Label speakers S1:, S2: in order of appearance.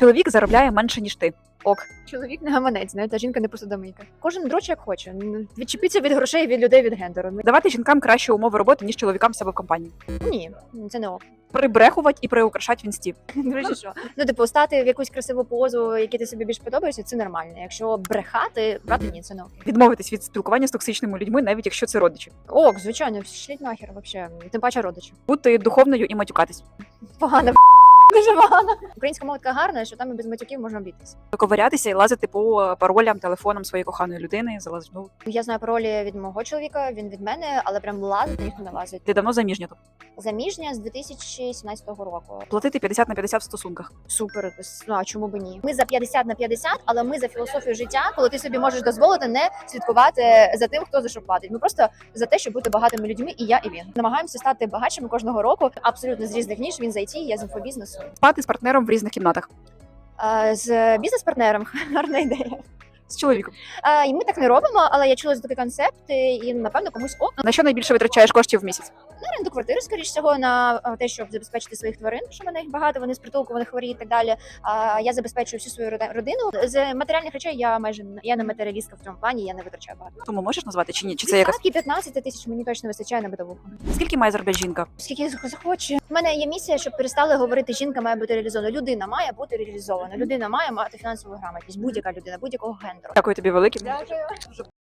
S1: Чоловік заробляє менше, ніж ти. Ок.
S2: Чоловік не гаманець, знаєте, а жінка не посудомийка. Кожен дрочить як хоче. Відчепіться від грошей, від людей, від гендеру.
S1: Давати жінкам кращі умови роботи, ніж чоловікам в себе в компанії.
S2: Ні, це не ок.
S1: Прибрехувати і приукрашати в інсті.
S2: До речі, що? Ну, типу, стати в якусь красиву позу, які ти собі більш подобаєшся, це нормально. Якщо брехати, брати, ні, це не ок.
S1: Відмовитись від спілкування з токсичними людьми, навіть якщо це родичі.
S2: Ок, звичайно, шліть нахер, вообще. Тим паче родичі.
S1: Бути духовною і матюкатись.
S2: Погано, дуже погано. Українська мова така гарна, що там і без матюків можна обійтись.
S1: Ковирятися і лазити по паролям, телефонам своєї коханої людини. Залазиш. Ну,
S2: Я знаю паролі від мого чоловіка, він від мене, але прям лазити ніхто не лазить.
S1: ти давно заміжня тут.
S2: Заміжня з 2017 року.
S1: Платити 50 на 50 в стосунках.
S2: Супер, ну а чому б ні? Ми за 50 на 50, але ми за філософію життя, коли ти собі можеш дозволити не слідкувати за тим, хто за що платить. Ми просто за те, щоб бути багатими людьми, і я, і він. Намагаємося стати багатшими кожного року, абсолютно з різних ніж. Він з IT, я з інфобізнесу.
S1: Спати з партнером в різних кімнатах.
S2: З бізнес-партнером гарна ідея.
S1: З чоловіком.
S2: І ми так не робимо, але я чула за такий концепт, і напевно комусь ок.
S1: На що найбільше витрачаєш коштів в місяць?
S2: На оренду квартири, скоріш всього, на те, щоб забезпечити своїх тварин, що в мене їх багато, вони з притулку, вони хворі і так далі. Я забезпечую всю свою родину. З матеріальних речей я не матеріалістка в цьому плані, я не витрачаю багато.
S1: Тому можеш назвати чи ні? Чи це якась?
S2: 15 тисяч мені точно вистачає на битовуху.
S1: Скільки має заробляти жінка?
S2: Скільки захоче. У мене є місія, щоб перестали говорити, жінка має бути реалізована. Людина має бути реалізована. Людина має мати фінансову грамотність. Будь-яка людина, будь-якого гендеру.
S1: Дякую тобі велике.
S2: Дякую.